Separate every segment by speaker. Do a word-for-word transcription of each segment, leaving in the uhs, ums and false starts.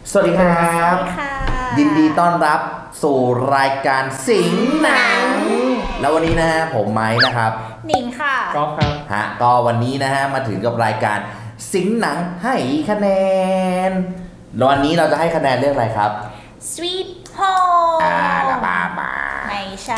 Speaker 1: สวัสดีครับ
Speaker 2: สวัสดีค่ะ
Speaker 1: ยินดีต้อนรับสู่รายการสิงหนัง แล้ววันนี้นะฮะผมไม้นะครับ
Speaker 2: หนิงค่ะ
Speaker 3: ก๊อฟครับ
Speaker 1: ฮะก็วันนี้นะฮะมาถึงกับรายการสิงหนังให้คะแนนแล้ววันนี้เราจะให้คะแนนเรื่องอะไรครับ
Speaker 2: Sweet Home
Speaker 1: อาลาบามา
Speaker 2: ไม่ใช่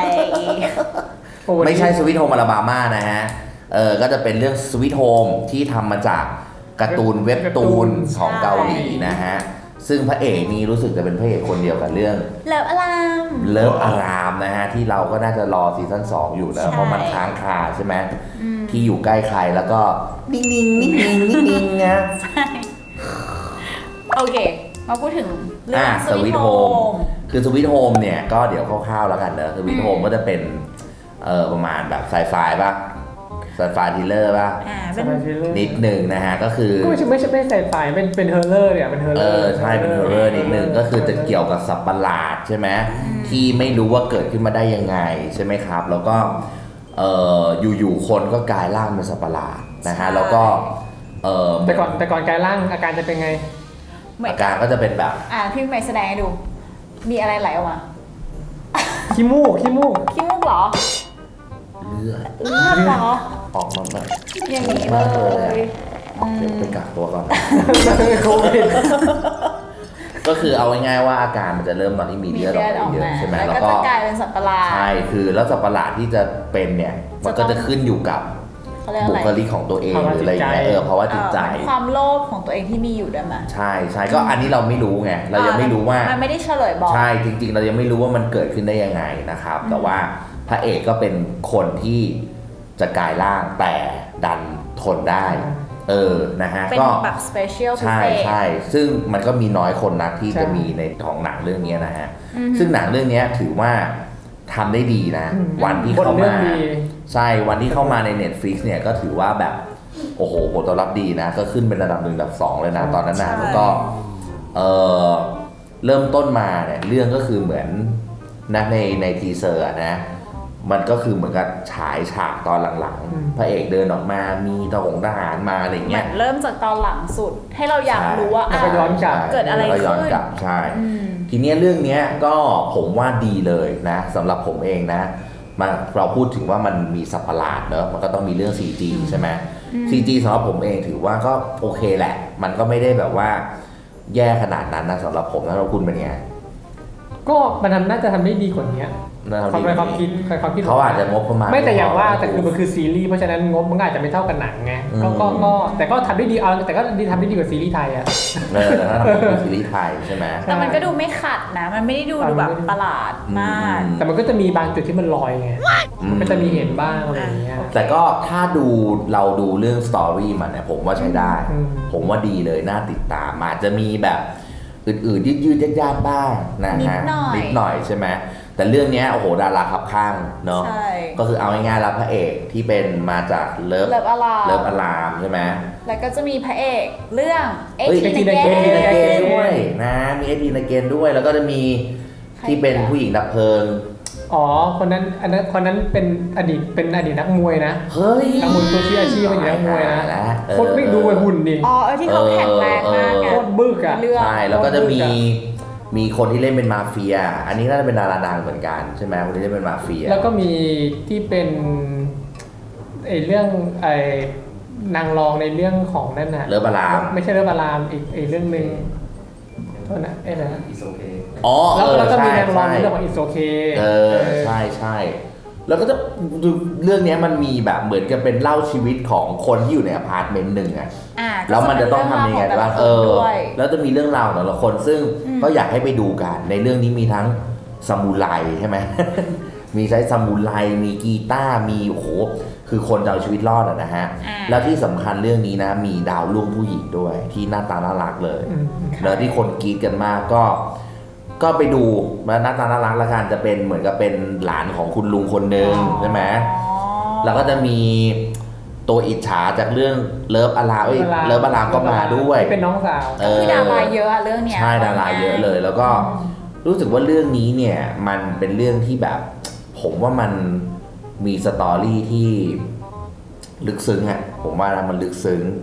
Speaker 1: ไม่ใช่สวิตโฮมอลาบามานะฮะเออก็จะเป็นเรื่องสวิตโฮมที่ทำมาจากการ์ตูนเว็บตูนของเกาหลีนะฮะซึ่งพระเอกนี่รู้สึกจะเป็นพระเอกคนเดียวกับเรื่อง
Speaker 2: เลิฟอลาม
Speaker 1: เลิฟอารามนะฮะที่เราก็น่าจะรอซีซั่นสองอยู่แล้ว
Speaker 2: ใช่
Speaker 1: เพราะมันค้างคาใช่ไหมที่อยู่ใกล้ใครแล้วก็นิ่งๆนิ่งๆนิ่งๆนะ
Speaker 2: ใช่โอเค มาพูดถึงเรื่อ
Speaker 1: อ่ะ
Speaker 2: ง
Speaker 1: สวิต
Speaker 2: Sweet
Speaker 1: โฮม
Speaker 2: Home
Speaker 1: คือสวิตโฮมเนี่ยก็เดี๋ยวคร่าวๆแล้วกันเนอะสวิตโฮมก็จะเป็นเออประมาณแบบไซไฟป่ะไซไฟทิลเลอร์ป่ะ
Speaker 2: อ่า
Speaker 3: ส
Speaker 2: เป็น
Speaker 3: มัยที่เริ่ม
Speaker 1: นิดหนึ่งนะฮะก็คือ
Speaker 3: ก็ไม่ใช่ไม่ใช่ไม่ใส่ไฟเป็นเป็นเฮอร์เลอร์เนี่ยเป็นเฮอร์
Speaker 1: เอ
Speaker 3: เลอร์
Speaker 1: อใช่เป็นฮอร์เรอร์นิดหนึ่งก็คือจะเกี่ยวกับสัตว์ประหลาดใช่ไหมที่ไม่รู้ว่าเกิดขึ้นมาได้ยังไงใช่ไหมครับ แล้วก็เอออยู่ๆคนก็กลายร่างเป็นสัตว์ประหลาดนะฮะแล้วก็เออ
Speaker 3: แต่ก่อนแต่ก่อนกายร่างอาการจะเป็นไง
Speaker 2: เหมือน
Speaker 1: อาการก็จะเป็นแบบ
Speaker 2: อ่าพี่ใหม่แสดงให้ดู มีอะไรไหลออกมา
Speaker 3: ขี้มูกขี้มูก
Speaker 2: ขี้มูกเหรอ
Speaker 1: เลือด
Speaker 2: เลือดเหรอ
Speaker 1: ออกมาแบบ
Speaker 2: อย่างนี้เล
Speaker 1: มากเลย
Speaker 2: ย
Speaker 1: อะเดี๋ยวไปกักตัวก่อน
Speaker 3: โควิด
Speaker 1: ก็คือเอาง่ายๆว่าอาการมันจะเริ่มตอนที่มี
Speaker 2: มี
Speaker 1: เลือด
Speaker 2: เลือด
Speaker 1: อ
Speaker 2: อ
Speaker 1: อ
Speaker 2: อก ก
Speaker 1: มาเย
Speaker 2: มา
Speaker 1: อะใช่ไหม
Speaker 2: แล้ว
Speaker 1: แล้ว
Speaker 2: ก็
Speaker 1: ก็
Speaker 2: จะกลายเป็นสัตว์ประหลาด
Speaker 1: ใช่คือแล้วสัตว์ประหลาดที่จะเป็นเนี่ยมันก็จะขึ้นอยู่กับ
Speaker 2: เขาเรียก
Speaker 1: บุ
Speaker 2: อะไร
Speaker 1: คลิกของตัวเองหรืออะไรอย่างเงี้ยเออเพราะว่าจิตใจ
Speaker 2: เอ่อความโลภของตัวเองที่มีอยู่ด้วยมั้ย
Speaker 1: ใช่ใช่ก็อันนี้เราไม่รู้ไงเรายังไม่รู้ว่า
Speaker 2: มันไม่ได้เฉลยบอก
Speaker 1: ใช่จริงๆ เรายังไม่รู้ว่ามันเกิดขึ้นได้ยังไงนะครับ แต่ว่าพระเอกก็เป็นคนที่จะกลายร่างแต่ดันทนได้ เออนะฮะ
Speaker 2: เป็น
Speaker 1: ก็
Speaker 2: แบบสเปเชียลพิ
Speaker 1: ใช่
Speaker 2: เศษ
Speaker 1: ใช่ซึ่งมันก็มีน้อยคนนักที่จะมีในของหนังเรื่องนี้นะฮะซึ่งหนังเรื่องนี้ถือว่าทำได้ดีนะ วันที่เข้า
Speaker 3: บทเรื่
Speaker 1: มา
Speaker 3: องดี
Speaker 1: ใช่วันที่เข้ามาใน Netflix เนี่ยก็ถือว่าแบบโอ้โหผลตอบรับดีนะ ก็ขึ้นเป็นระดับหนึ่งระดับสองเลยนะตอนนั้นนะ
Speaker 2: ใช่
Speaker 1: แล้วก็เออเริ่มต้นมาเนี่ยเรื่องก็คือเหมือนนะในในทีเซอร์อะนะมันก็คือเหมือนกับฉายฉากตอนหลัง
Speaker 3: อืม
Speaker 1: ๆ พระเอกเดินออกมามีทหงทหารมาอะไร
Speaker 2: เหมื
Speaker 1: เงี้
Speaker 2: อย นเริ่มจากตอนหลังสุด ให้เราอยากรู้ว่า
Speaker 3: แล้วก็ย้อนกลับ
Speaker 2: เกิดอะไร
Speaker 1: แล้วก็ย้อน
Speaker 2: ขึ้น
Speaker 1: กลับใช่
Speaker 2: อืม
Speaker 1: ทีเนี้ยเรื่องเนี้ยก็ผมว่าดีเลยนะสำหรับผมเองนะมาเราพูดถึงว่ามันมีสัตว์ประหลาดเนอะมันก็ต้องมีเรื่อง ซี จี ใช่ไหม ซี จี สำหรับผมเองถือว่าก็โอเคแหละ มันก็ไม่ได้แบบว่าแย่ขนาดนั้นนะสำหรับผมนะแล้วคุณเป็นไง
Speaker 3: ก็มันทำน่าจะทำได้ดีกว่านี้
Speaker 1: นะครับ
Speaker 3: ความเป็นความคิดความคิด
Speaker 1: เขาอาจจะงบประมาณ
Speaker 3: ไม่แต่อย่างว่า
Speaker 1: พ
Speaker 3: แต่คือมันคือซีรีส์เพราะฉะนั้นงบมันก็อาจจะไม่เท่ากันหนังไงก็
Speaker 1: อืม
Speaker 3: ก็ก็แต่ก็ทำได้ดีเอาแต่ก็ดีทำได้ดีกว่าซีรีส์ไทยอ่ะ
Speaker 1: เออถ้าทำเป็นซีรีส์ไทยใช่ไหม
Speaker 2: แต่มันก็ดูไม่ขัดนะ มันไม่ได้ดู
Speaker 3: อ่า
Speaker 2: ดูแบบ
Speaker 3: มันไม่ได้
Speaker 2: ประหลาดมาก
Speaker 1: อืม
Speaker 3: แต่มันก็จะมีบางจุดที่มันลอยไงมันก็จะมีเห็นบ้างอะไรอย่างเงี้ย
Speaker 1: แต่ก็ถ้าดูเราดูเรื่องสตอรี่มันเนี่ยผมว่าใช้ได้
Speaker 3: อืม
Speaker 1: ผมว่าดีเลยน่าติดตามอาจจะมีแบบอื่นๆยืดๆยากๆบ้างนะฮะ
Speaker 2: นิดหน่อย
Speaker 1: นิดหน่อยใช่ไหมแต่เรื่องเนี้ยโอ้โหดาราขับข้างเนาะ
Speaker 2: ใช่
Speaker 1: ก็คือเอาง่ายๆแล้วพระเอกที่เป็นมาจากเลิฟ
Speaker 2: เลิฟอลาม
Speaker 1: เลิฟอารามใช่ไหม
Speaker 2: แล้วก็จะมีพระเอกเรื่องเอ็ก
Speaker 1: เอ้ย
Speaker 2: ซ์
Speaker 1: เอ็ก
Speaker 2: ที
Speaker 1: ซ์
Speaker 2: น
Speaker 1: ที
Speaker 2: เก
Speaker 1: นาเกน
Speaker 2: น
Speaker 1: ด้วยนะมีเอ็กซ์ทีนาเกนด้วยแล้วก็จะมีที่เป็นผู้หญิงดับเพลิง
Speaker 3: อ๋อคนนั้นอันนั้นคนนั้นเป็นอดีตเป็นอดีตนักมวยนะ
Speaker 1: เฮ้ย
Speaker 3: นักมวยตัวชี้อาชีพเป็นนักมวยนะ
Speaker 1: เออ
Speaker 3: โคตรไม่ดูไปหุ่นดิ
Speaker 2: อ๋อเออที่เขาแข็งแรงมากไง
Speaker 3: โคตรบึกอ่ะ
Speaker 2: เรื่อง
Speaker 1: ใช่แล้วก็จะมีมีคนที่เล่นเป็นมาเฟีย อันนี้น่าจะเป็นดาราดังเหมือนกันใช่ไหมคนที่เล่นเป็นมาเฟีย
Speaker 3: แล้วก็มีที่เป็นไอเรื่องไอนางรองในเรื่องของนั่นน่ะ
Speaker 1: เลิฟอาราม
Speaker 3: ไม่ใช่เรื่องอารามอีกอีกเรื่องหนึ่งโทษนะไอ้นะ
Speaker 1: อ๋อ
Speaker 3: แล้ว
Speaker 1: เออ
Speaker 3: แล้วก็มี
Speaker 1: ใช่
Speaker 3: นางรอง
Speaker 1: ใช่
Speaker 3: ในเรื่องของอิสโอเค
Speaker 1: เออใช่ใช่แล้วก็จะเรื่องเนี้ยมันมีแบบเหมือนกับเป็นเล่าชีวิตของคนที่อยู่ในอพาร์ตเมนต์หนึ่งอะ
Speaker 2: อ่า
Speaker 1: แล้วมันจะต้องทำยังไงบ้างเออ
Speaker 2: ด้วย
Speaker 1: แล้วจะมีเรื่องราวของแต่ละคนซึ่ง
Speaker 2: อืม
Speaker 1: ก็อยากให้ไปดูกัน ในเรื่องนี้มีทั้งซามูไรใช่ไหม มีใช้ซามูไรมีกีตาร์มีโอ้โหคือคนจะเอาชีวิตรอดอะนะฮะ
Speaker 2: อ่า
Speaker 1: แล้วที่สำคัญเรื่องนี้นะ มีดาวรุ่งผู้หญิงด้วย ที่หน้าตาน่ารักเลย
Speaker 3: อืม
Speaker 1: แล้วที่คนกรีดกันมากก็ ก็ไปดูมาหน้าตาน่ารักละกันจะเป็นเหมือนกับเป็นหลานของคุณลุงคนหนึ่งใช่ไหม
Speaker 2: อ๋อ
Speaker 1: แล้วก็จะมีตัวอิจฉาจากเรื่องเลิฟอารามเอ้ยเลิฟอารามก็มาด้วย
Speaker 3: ที่เป็นน้องสาว
Speaker 1: เออ
Speaker 2: คือดาราเยอะอะเรื่องเนี้ย
Speaker 1: ใช่ดาราเยอะเลย แล้วก็รู้สึกว่าเรื่องนี้เนี่ยมันเป็นเรื่องที่แบบ ผมว่ามันมีสตอรี่ที่ลึกซึ้งอะผมว่านะมันลึกซึ้ง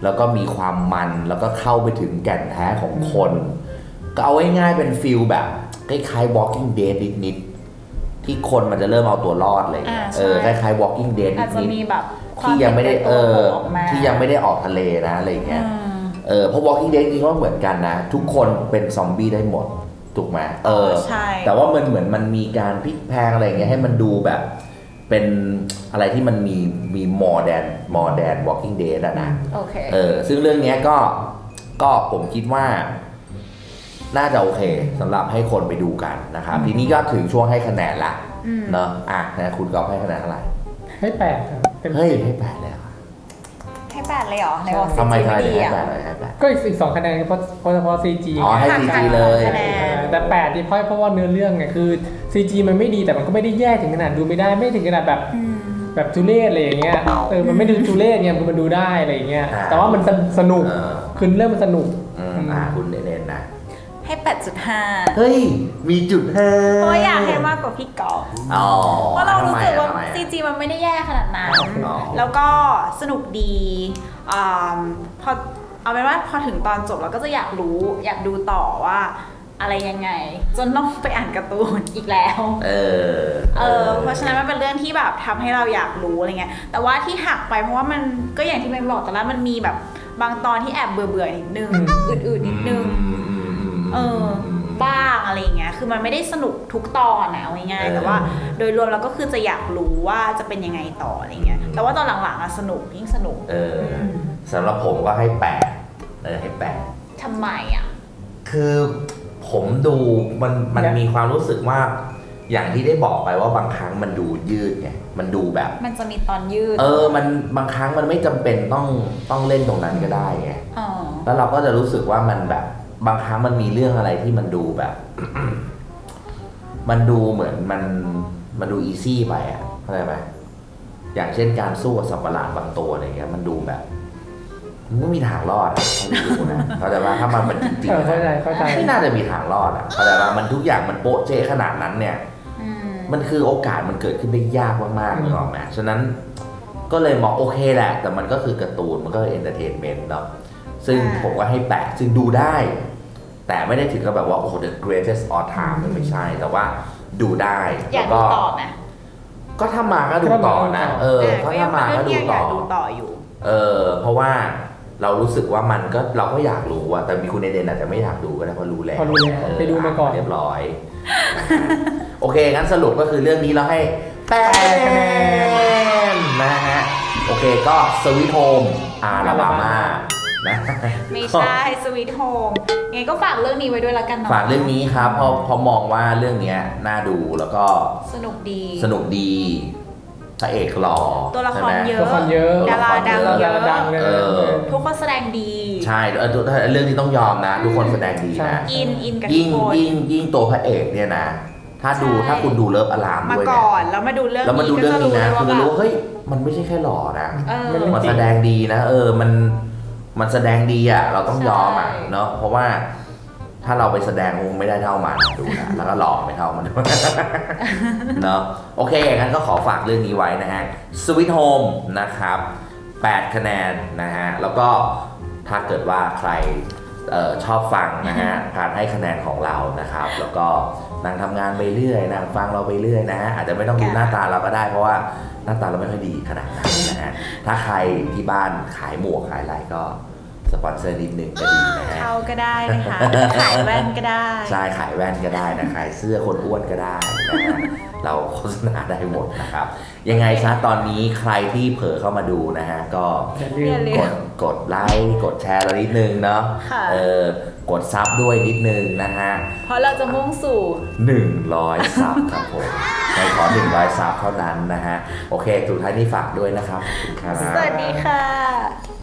Speaker 1: แล้วก็มีความมันแล้วก็เข้าไปถึงแก่นแท้ของคน ก็เอาง่ายๆเป็นฟิลแบบคล้ายๆ Walking Dead นิดๆที่คนมันจะเริ่มเอาตัวรอดเลย
Speaker 2: อ่า
Speaker 1: เออค
Speaker 2: ใช่
Speaker 1: ล้ายๆ Walking Dead
Speaker 2: อาจจะ
Speaker 1: นิด
Speaker 2: มีแบบค
Speaker 1: ๆ
Speaker 2: วาม
Speaker 1: ที่ยังไม่ได้
Speaker 2: ป็น
Speaker 1: เอ
Speaker 2: ตัว
Speaker 1: อ
Speaker 2: ออกมา
Speaker 1: ที่ยังไม่ได้ออกทะเลนะอะไรอย่างเงี้ย
Speaker 2: อืม
Speaker 1: เออเพราะ Walking Dead นี่ก็เหมือนกันนะ ทุกคนเป็นซอมบี้ได้หมดถูกไหมเออ
Speaker 2: ใช่
Speaker 1: แต่ว่ามันเหมือนมันมีการพลิกแพลงอะไรอย่างเงี้ยให้มันดูแบบเป็นอะไรที่มันมีมี more than more than Walking Dead อะนะ
Speaker 2: โอเค
Speaker 1: เออซึ่งเรื่องเนี้ยก็ก็ผมคิดว่า น่าจะโอเคสำหรับให้คนไปดูกันนะครับ ทีนี้ก็ถึงช่วงให้คะแนนละ
Speaker 2: อืม
Speaker 1: เนาะอ่ะนะคุณกอล์ฟให้คะแนนเท่าไหร่
Speaker 3: ให้แปดครับเต็ม
Speaker 1: เฮ้ย
Speaker 3: สิบ
Speaker 1: ให้แปดเลยเหรอ
Speaker 2: ให้แปดเลยเหรอในบอก
Speaker 1: ทำไม
Speaker 2: ซี
Speaker 1: ทำไม
Speaker 2: จี
Speaker 1: ถึง
Speaker 2: ดี
Speaker 1: ให้
Speaker 2: อ่ะ
Speaker 1: แปดเลยให้แปด
Speaker 3: ก็อีกสองคะแนนเพราะเพราะเฉพาะ ซี จี
Speaker 1: อ๋อให้
Speaker 2: หัก
Speaker 1: ซี
Speaker 2: หั
Speaker 1: จี
Speaker 2: ก
Speaker 1: เลย
Speaker 2: คะแนน
Speaker 3: แต่แปดที่เพราะเพราะว่าเนื้อเรื่องไงคือ ซี จี มันไม่ดีแต่มันก็ไม่ได้แย่ถึงขนาดดูไม่ได้ไม่ถึงขนาดแบบ
Speaker 2: อืม
Speaker 3: แบบทุเรศอะไรอย่างเงี้ยเออมันไม่ดูทุเรศเนี่ยมันดูได้อะไรอย่างเงี้ย
Speaker 1: อ่า
Speaker 3: แต่ว่ามันสนุก
Speaker 1: เออ
Speaker 3: คือเรื่องมันสนุก
Speaker 1: อืมอ่ะคุณเน้นๆนะ
Speaker 2: ให้แปดจุดห้า
Speaker 1: เฮ้ย มีจุดห้า
Speaker 2: เพราะอยากให้มากกว่าพี่กอล์ฟ
Speaker 1: อ๋อ
Speaker 2: เพราะเรารู้สึกว่า
Speaker 1: ทำไมอะ
Speaker 2: ซีจีมันไม่ได้แย่ขนาดนั้น
Speaker 1: อ๋อ
Speaker 2: แล้วก็สนุกดีอ่าพอเอาเป็นว่าพอถึงตอนจบเราก็จะอยากรู้อยากดูต่อว่าอะไรยังไง จนต้องไปอ่านการ์ตูนอีกแล้ว
Speaker 1: เออ
Speaker 2: เออเพราะฉะนั้นมันเป็นเรื่องที่แบบทำให้เราอยากรู้อะไรเงี้ยแต่ว่าที่หักไปเพราะว่ามันก็อย่างที่เมย์บอกแต่ละมันมีแบบบางตอนที่แอบเบื่อเบื่อๆนิดนึง
Speaker 3: อืม
Speaker 2: อื่นๆนิดนึง
Speaker 1: อืมอืมอืม
Speaker 2: เออบ้างอะไรเงี้ยคือมันไม่ได้สนุกทุกตอนนะเอาง่าย
Speaker 1: เออ
Speaker 2: ๆแต่ว่าโดยรวมเราก็คือจะอยากรู้ว่าจะเป็นยังไงต่ออะไรเงี้ยแต่ว่าตอนหลังๆอะสนุกยิ่งสนุก
Speaker 1: เออสำหรับผมก็ให้แปดเออให้แปด
Speaker 2: ทำไมอ่ะ
Speaker 1: คือผมดูมันมัน
Speaker 3: เนี่ย
Speaker 1: มีความรู้สึกว่า อย่างที่ได้บอกไปว่าบางครั้งมันดูยืดไงมันดูแบบ
Speaker 2: มันจะมีตอนยืด
Speaker 1: เออมันบางครั้งมันไม่จำเป็นต้องต้องเล่นตรงนั้นก็ได้ไง
Speaker 2: อ๋อ
Speaker 1: แล้วเราก็จะรู้สึกว่ามันแบบบางครั้งมันมีเรื่องอะไรที่มันดูแบบ มันดูเหมือนมันมันดูอีซี่ไปอ่ะเข้าใจไหมอย่างเช่นการสู้กับสัตว์ประหลาดบางตัวอะไรเงี้ยมันดูแบบมันไม่มีทางรอดอ่ะเขาดูนะเข้าใจว่าถ้ามันเป็นจริง
Speaker 3: เออ
Speaker 1: ๆ
Speaker 3: เข้าใจ
Speaker 1: นะ
Speaker 3: เข้าใจ
Speaker 1: ไม่น่าจะมีทางรอดอ่ะเข้าใจว่ามันทุกอย่างมันโป๊ะเจ๊ขนาดนั้นเนี่ย
Speaker 2: อืม
Speaker 1: มันคือโอกาสมันเกิดขึ้นได้ยากมากๆนึกออกไหมฉะนั้นก็เลยมองโอเคแหละ แต่มันก็คือการ์ตูนมันก็เอนเตอร์เทนเมนต์เนาะซึ่งผมก็ให้แปดซึ่งดูได้ แต่ไม่ได้ถึงกับแบบว่าโอ้โห the greatest all time มันไม่ใช่ แต่ว่าดูได้
Speaker 2: อยา
Speaker 1: แล้
Speaker 2: ก
Speaker 1: ว
Speaker 2: ดู
Speaker 1: ก็
Speaker 2: ต่อไหม
Speaker 1: ก็ถ้ามาก็ดูต่อนะเออ
Speaker 2: แต่
Speaker 1: เพราะ
Speaker 2: ก็ยั
Speaker 1: ถ้าง มา
Speaker 2: เป็น
Speaker 1: ก็
Speaker 2: เรื่อง
Speaker 1: ดู
Speaker 2: ที่อยา
Speaker 1: ต่
Speaker 2: ก
Speaker 1: อ
Speaker 2: ดูต่ออยู่
Speaker 1: เออเพราะว่าเรารู้สึกว่ามันก็เราก็อยากรู้อะแต่มีคุณเอเดนอาจจะไม่อยากดูก็ได้เพราะรู้แล้ว
Speaker 3: พอรู้แล้วไปดูมาก่อน
Speaker 1: เรียบร้อย โอเคงั้นสรุปก็คือเรื่องนี้เราให้แปดคะแนนนะฮะโอเคก็สวิตโฮมอาลาบามานะ
Speaker 2: ไม่ใช่สวีทโฮมไงก็ฝากเรื่องนี้ไว้ด้วยละกันเนาะ
Speaker 1: ฝากเรื่องนี้ครับเพราะเพราะมองว่าเรื่องเนี้ยน่าดูแล้วก็
Speaker 2: สนุกดี
Speaker 1: สนุกดีพระเอกหล่อ
Speaker 2: ตัวละคร
Speaker 1: ใช่ไหม
Speaker 2: เยอะ
Speaker 3: ตัวละครเยอะ
Speaker 2: ดาราดังเย
Speaker 3: ดา
Speaker 2: อะ
Speaker 3: ราดังเลย
Speaker 1: เออ
Speaker 2: ทุกคนแสดงดี
Speaker 1: ใช่เออตัวเรื่องที่ต้องยอมนะ ทุกคนแสดงดี
Speaker 3: ใช่
Speaker 1: นะ
Speaker 2: อินอินกับทุ
Speaker 1: ยิ่
Speaker 2: ก
Speaker 1: ง
Speaker 2: คน
Speaker 1: ยิ่งยิ่งตัวพระเอกเนี่ยนะ ถ้าดู
Speaker 2: ใช่
Speaker 1: ถ้าคุณดูเลิฟอลาม
Speaker 2: มา
Speaker 1: ด้วย
Speaker 2: ก่
Speaker 1: เนี่ย
Speaker 2: อนแล้วมาดูเรื่อง
Speaker 1: แล้วมาดู
Speaker 2: นี้
Speaker 1: เรื่อง
Speaker 2: ก็จะ
Speaker 1: นี้
Speaker 2: รู้
Speaker 1: นะ
Speaker 2: เลย
Speaker 1: คุณ
Speaker 2: ว่า
Speaker 1: จะ
Speaker 2: แบ
Speaker 1: รู้
Speaker 2: บ
Speaker 1: เฮ้ยมันไม่ใช่แค่หล่อนะ
Speaker 2: เออ
Speaker 3: มันเรื่อง
Speaker 1: มัน
Speaker 3: จริง
Speaker 1: แสดงดีนะ เออมันมันแสดงดีอ่ะเราต้องยอมอ่ะ
Speaker 2: ใช่
Speaker 1: เนาะเพราะว่าถ้าเราไปแสดงคงไม่ได้เท่ามันดูนะแล้วก็หล่อไม่เท่ามันด้วย เนาะโอเคงั้นก็ขอฝากเรื่องนี้ไว้นะฮะ Sweet Home นะครับแปดคะแนนนะฮะแล้วก็ถ้าเกิดว่าใครเออชอบฟังนะฮะ การให้คะแนนของเรานะครับ แล้วก็นั่งทำงานไปเรื่อยนั่งฟังเราไปเรื่อยนะฮะอาจจะไม่ต้องดูหน้าตาเราก็ได้เพราะว่าหน้าตาเราไม่ค่อยดีขนาดนั้นนะฮะถ้าใครที่บ้านขายหมวกขายอะไรก็สปอนเซอร์นิดนึงก็ดีนะฮะ
Speaker 2: เข้าก็ได้นะคะ ขายแว่นก็ได้
Speaker 1: ใช่ขายแว่นก็ได้นะขายเสื้อคนอ้วนก็ได้นะฮะเราโฆษณาได้หมดนะครับ ยังไงซะตอนนี้ใครที่เผลอเข้ามาดูนะฮะก็
Speaker 3: อย่าลื
Speaker 2: อย่าม ลืม
Speaker 1: กดกดไลค์กดแชร์เรานิดนึงเนาะ
Speaker 2: ค่ะ
Speaker 1: เออกดซับด้วยนิดนึงนะฮะ
Speaker 2: เพราะเราจะมุ่งสู่
Speaker 1: หนึ่งร้อยซับครับผมใครขอหนึ่งร้อยซับเท่านั้นนะฮะโอเคสุดท้ายนี้ฝากด้วยนะครับขอบคุณครับ
Speaker 2: สวัสดีค่ะ